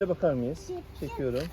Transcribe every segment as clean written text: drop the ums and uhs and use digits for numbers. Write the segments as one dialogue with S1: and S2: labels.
S1: Bakar mıyız? Çekiyorum.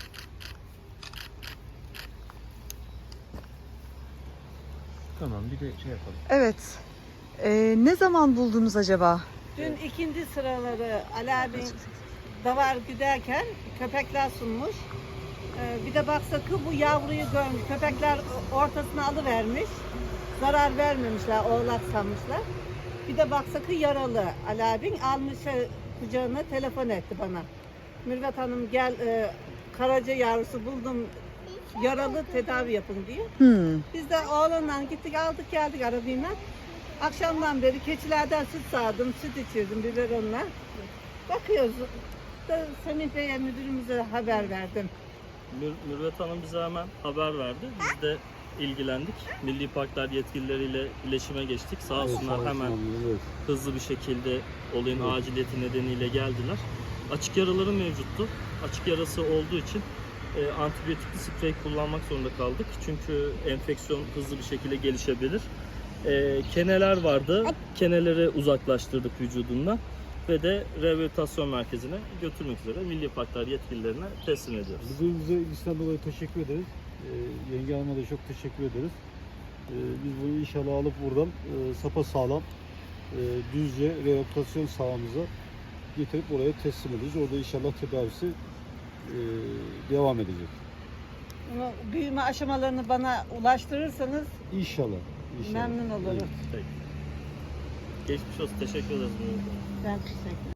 S1: Tamam, bir de şey yapalım.
S2: Evet. Ne zaman buldunuz acaba?
S3: Dün ikinci sıraları Ali abi davar giderken köpekler sunmuş. Bir de baksakı bu yavruyu görmüş. Köpekler ortasına alıvermiş. Zarar vermemişler, oğlak sanmışlar. Bir de baksakı yaralı. Ali abin almış kucağına, telefon etti bana. Mürvet Hanım gel, karaca yavrusu buldum, yaralı, tedavi yapın diye. Biz de oğlanla gittik, aldık geldik arabayla. Akşamdan beri keçilerden süt sağdım, süt içirdim biberonla. Bakıyoruz. Semih Bey'e, müdürümüze haber verdim.
S4: Mürvet Hanım bize hemen haber verdi. Biz de ilgilendik. Milli Parklar yetkilileriyle iletişime geçtik. Sağ olsunlar hemen hızlı bir şekilde olayın aciliyeti nedeniyle geldiler. Açık yaraları mevcuttu. Açık yarası olduğu için antibiyotikli sprey kullanmak zorunda kaldık. Çünkü enfeksiyon hızlı bir şekilde gelişebilir. Keneler vardı. Keneleri uzaklaştırdık vücudundan ve de rehabilitasyon merkezine götürmek üzere Milli Parklar yetkililerine teslim ediyoruz.
S5: Bize ilgisinden dolayı teşekkür ederiz. Yenge Hanım'a da çok teşekkür ederiz. Biz bunu inşallah alıp buradan sapasağlam Düzce rehabilitasyon sahamıza getirip oraya teslim edeceğiz. Orada inşallah tedavisi devam edecek.
S3: Bunu büyüme aşamalarını bana ulaştırırsanız
S5: İnşallah.
S3: memnun olurum.
S4: Peki. Geçmiş olsun. Teşekkür ederiz.
S3: Ben teşekkür ederim.